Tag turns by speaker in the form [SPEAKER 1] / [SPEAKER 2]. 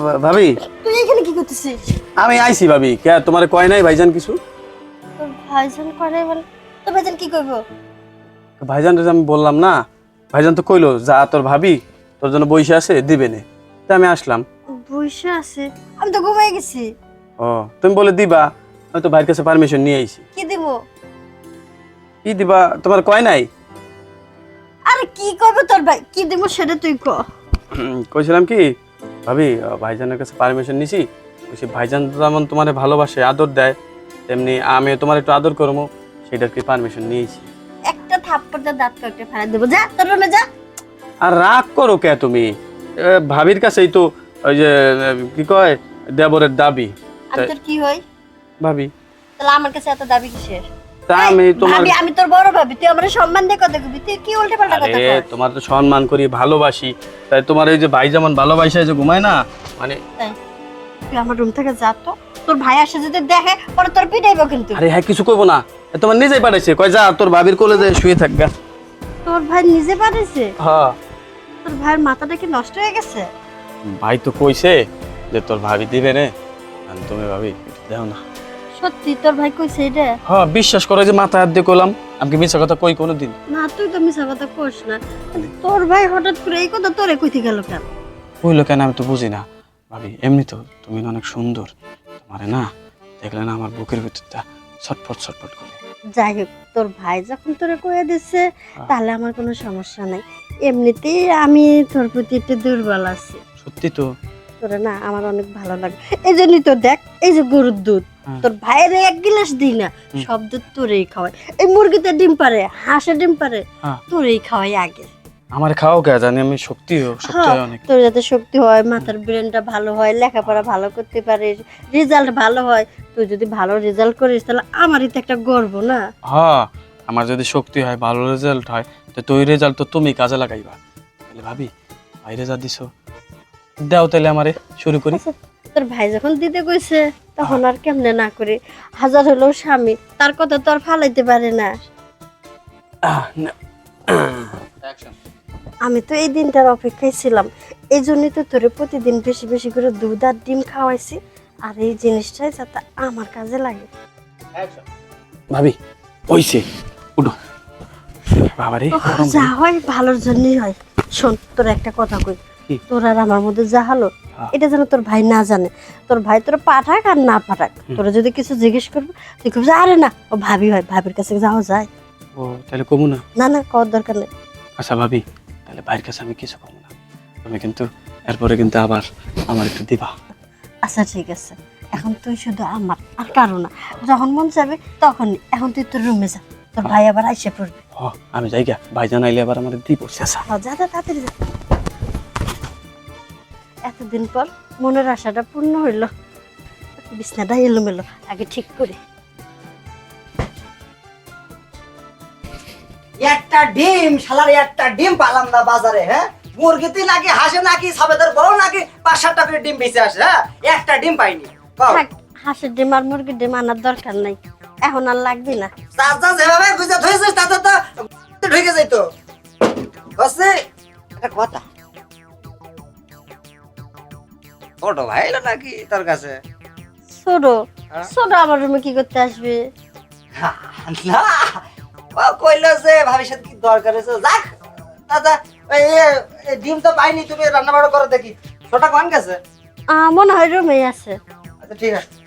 [SPEAKER 1] ভাবি
[SPEAKER 2] তুই এখানে কি করতেছিস?
[SPEAKER 1] আমি আইছি ভাবি, কে তোমার কয় নাই ভাইজান কিছু?
[SPEAKER 2] তোর ভাইজান করে বলে তোর ভাইজান কি করবো?
[SPEAKER 1] ভাইজান আমি বললাম না, ভাইজান তো কইলো যা তোর ভাবি তোর জন্য বইসা আছে দিবে নে, তাই আমি আসলাম।
[SPEAKER 2] বসে আছে? আমি তো ঘুমাই গেছি।
[SPEAKER 1] ও তুমি বলে দিবা, আমি তো ভাইয়ের কাছে পারমিশন নিয়ে আইছি।
[SPEAKER 2] কি দিব?
[SPEAKER 1] কি দিবা তোমার কয় নাই?
[SPEAKER 2] আরে কি করবে তোর ভাই, কি দিব সেটা তুই ক।
[SPEAKER 1] কইছিলাম কি ভাবি, ভাইজানের কাছে পারমিশন নিছি, বলছি ভাইজান যেমন তোমার ভালোবাসে আদর দেয়, তেমনি আমি তোমার একটু আদর করবো, সেটার কি পারমিশন নিয়েছি।
[SPEAKER 2] একটা থাপ্পড় দিয়ে দাঁত কাটে ফেলা দেবো, যা তোর রুমে যা।
[SPEAKER 1] আর রাগ করো কে তুমি? ভাবির কাছেই তো ওই যে কি কয় দেবরের দাবি।
[SPEAKER 2] আমি তোর কি হই
[SPEAKER 1] ভাবি
[SPEAKER 2] তাহলে আমার কাছে এত দাবি কিসের?
[SPEAKER 1] তা আমি তোমার
[SPEAKER 2] ভাবি, আমি তোর বড় ভাবি, তুই আমার সম্মান দিয়ে কথা কবি, তুই কি উল্টে পাল্টা কথা
[SPEAKER 1] আরে
[SPEAKER 2] কস?
[SPEAKER 1] তোমার তো সম্মান করি ভালোবাসি, তাই তোমার এই যে ভাই যেমন ভালোবাসে যে ঘুমায় না মানে।
[SPEAKER 2] তুই আমার রুম থেকে যা তো, তোর ভাই আসে যদি দেখে পরে তোর পিটাইবো কিন্তু।
[SPEAKER 1] আরে হ্যাঁ কিছু করবো না, তোমার নিজেই পাঠাইছে, কয় যা তোর ভাবির কোলে যে শুয়ে থাকগা।
[SPEAKER 2] তোর ভাই নিজে পাঠাইছে?
[SPEAKER 1] হ্যাঁ
[SPEAKER 2] তোর ভাইয়ের মাথাটা কি নষ্ট হয়ে গেছে?
[SPEAKER 1] ভাই তো কইছে যে তোর ভাবি দিবে রে, আর তুমি ভাবি একটু দাও না।
[SPEAKER 2] সত্যি তোর ভাই কইছে এটা?
[SPEAKER 1] হ্যাঁ বিশ্বাস করে যে মাথা হাত দিয়ে কইলাম, আমি কি মিছা কথা কই কোনোদিন?
[SPEAKER 2] না তুই তো মিছা কথা কইস না। তোর ভাই হঠাৎ করে এই কথা তোরে কইতে গেল কেন?
[SPEAKER 1] কইলো কেন আমি তো বুঝি না ভাবি, এমনি তো তুমি না অনেক সুন্দর, তোমারে না দেখলে না আমার বুকের ভিতরটা ছটফট ছটফট করে।
[SPEAKER 2] যাই হোক, তোর ভাই যখন তোরে কয়ে দিচ্ছে তাহলে আমার কোনো সমস্যা নাই। এমনিতেই আমি তোর প্রতি একটু দুর্বল আছি।
[SPEAKER 1] সত্যি তো?
[SPEAKER 2] তোরে না আমার অনেক ভালো লাগে, এই জন্যই তো দেখ এই যে গরুর দুধ তোর ভাইয়ের এক গ্লাস দিই না, সব দুধ তোরেই খাওয়াই। এই মুরগিতে ডিম পারে, হাঁসে ডিম পারে, তোরেই খাওয়াই আগে।
[SPEAKER 1] আমার খাও কে জানি আমি শক্তি হয় অনেক।
[SPEAKER 2] তোর যাতে শক্তি হয়, মাথার ব্রেনটা ভালো হয়, লেখাপড়া ভালো করতে পারিস, রেজাল্ট ভালো হয়। তুই যদি ভালো রেজাল্ট করিস তাহলে আমারই তো একটা গর্ব না?
[SPEAKER 1] হ্যাঁ আমার যদি শক্তি হয়, ভালো রেজাল্ট হয়, তো তুই রেজাল্ট তো তুমি কাজে লাগাইবা। তাহলে ভাবি বাইরে যা দিছো দাও, তাহলে আমারে শুরু করি।
[SPEAKER 2] তোর ভাই যখন দিতে কইছে তখন আর কেমনে না করি? হাজার হলেও স্বামী, তার কথা তো আর ফালাইতে পারে না। আমি তো এই দিনটার অপেক্ষায় ছিলাম, এই জন্যই তো তোরে প্রতিদিন বেশি বেশি করে দুধ আর ডিম খাওয়াইছি, আর এই জিনিসটাই যাতে আমার কাজে লাগে।
[SPEAKER 1] ভাবি ওইছে উঠো বাবারে,
[SPEAKER 2] যা হয় ভালোর জন্যই হয়। শোন, তোর একটা কথা কই, তোর আর আমার মধ্যে যা হলো এটা যেন তোর ভাই না জানে। তোর ভাই তোর পাঠাক আর না পাঠাক, তোরা যদি কিছু জিজ্ঞেস করবে তুই কবি আরে না ও ভাবি হয়, ভাবির কাছে যাওয়া যায়।
[SPEAKER 1] ও তাহলে কমু না?
[SPEAKER 2] না না, কর দরকার নেই।
[SPEAKER 1] আচ্ছা ভাবি, তাহলে ভাইয়ের কাছে আমি কিছু কমু না, তুমি কিন্তু এরপরে কিন্তু আবার আমার একটু দিবা।
[SPEAKER 2] আচ্ছা ঠিক আছে, এখন তুই শুধু আমার, আর কারো না। যখন মন যাবে তখন। এখন তুই তোর রুমে যা, তোর ভাই আবার আইসে পড়বে।
[SPEAKER 1] আমি যাই গা, ভাই জানাইলে আবার আমার দিব।
[SPEAKER 2] যা যা, তাড়াতাড়ি যা। এতদিন পর মনের আশাটা পূর্ণ হইল। বিছনাটা এলোমেলো, আগে ঠিক করে।
[SPEAKER 3] একটা ডিম শালার, একটা ডিম পালাম না বাজারে। হ্যাঁ মুরগিতে নাকি হাসে নাকি সবেদের বড় নাকি 5-7টা করে ডিম বেঁচে আসে। হ্যাঁ একটা ডিম পাইনি।
[SPEAKER 2] থাক, হাঁসের ডিম আর মুরগির ডিম আনার দরকার নাই, এখন আর লাগবে না।
[SPEAKER 3] চাচা যেভাবে গুজে ধরেছিস তাতে তো ঢুকে যাইতো। বসে একটা কথা, ছোট ভাই এলো নাকি তোর কাছে?
[SPEAKER 2] ছোট? ছোট আমার রুমে কি করতে আসবে?
[SPEAKER 3] না ও কইলো যে ভাবির সাথে কি দরকার আছে। যাক দাদা, এই ডিম তো পাইনি, তুমি রান্না বাড়া করো দেখি। ছোটা কোন গেছে?
[SPEAKER 2] মনে হয় রুমে আছে।
[SPEAKER 3] আচ্ছা ঠিক আছে।